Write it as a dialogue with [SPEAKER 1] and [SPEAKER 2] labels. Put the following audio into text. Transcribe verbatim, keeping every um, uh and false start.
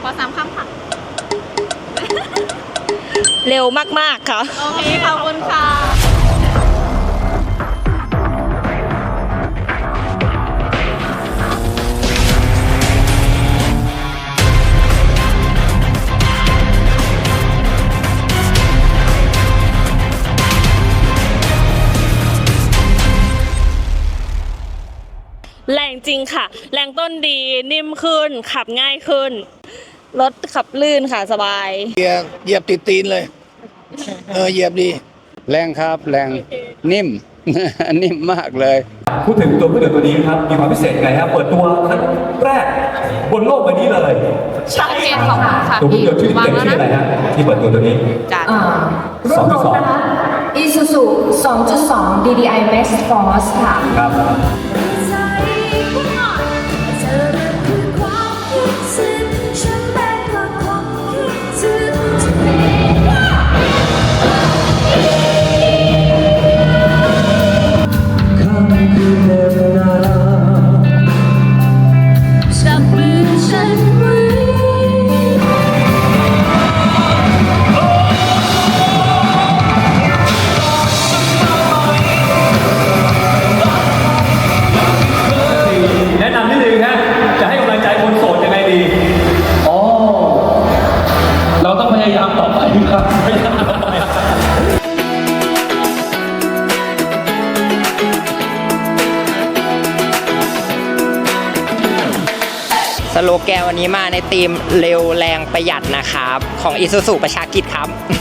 [SPEAKER 1] อสามคำค่ะ
[SPEAKER 2] เร็วมากๆค่ะ
[SPEAKER 1] โอเค ขอบคุณค่ะ
[SPEAKER 2] แรงจริงค่ะ แรงต้นดีนิ่มขึ้น ขับง่ายขึ้น รถขับลื่นค่ะสบาย
[SPEAKER 3] เหยียบเหยียบติดตีนเลย เออเหยียบดี
[SPEAKER 4] แรงครับแรงนิ่ม นิ่มมากเลย
[SPEAKER 5] พูดถึงตัวเครื่องยนต์ตัวนี้ครับมีความพิเศษยังไงครับเปิดตัวครั้งแรกบนโลกใบนี้เลย
[SPEAKER 1] โอเคขอบคุณค่ะ
[SPEAKER 5] ตัวเครื่องยนต์ชื่อ
[SPEAKER 1] วาง
[SPEAKER 5] เต็ม
[SPEAKER 1] แล้ว
[SPEAKER 5] ชื่อ
[SPEAKER 1] นะ
[SPEAKER 5] อะไรฮะที่เปิดตัวตัวนี้
[SPEAKER 1] จัด
[SPEAKER 6] อ่ารุ่นรถนะคะ Isuzu สองจุดสอง ดี ดี ไอ Max Force ค่ะ
[SPEAKER 5] ครับ
[SPEAKER 1] จับมือฉันไว้
[SPEAKER 5] แนะนำนิดนึงฮะจะให้กำลังใจคนโสดยังไงดีอ๋อเราต้องพยายามต่อไปครับพยายามต่อไป
[SPEAKER 7] สโลแกนวันนี้มาในธีมเร็วแรงประหยัดนะครับ ของ Isuzu ประชากิจครับ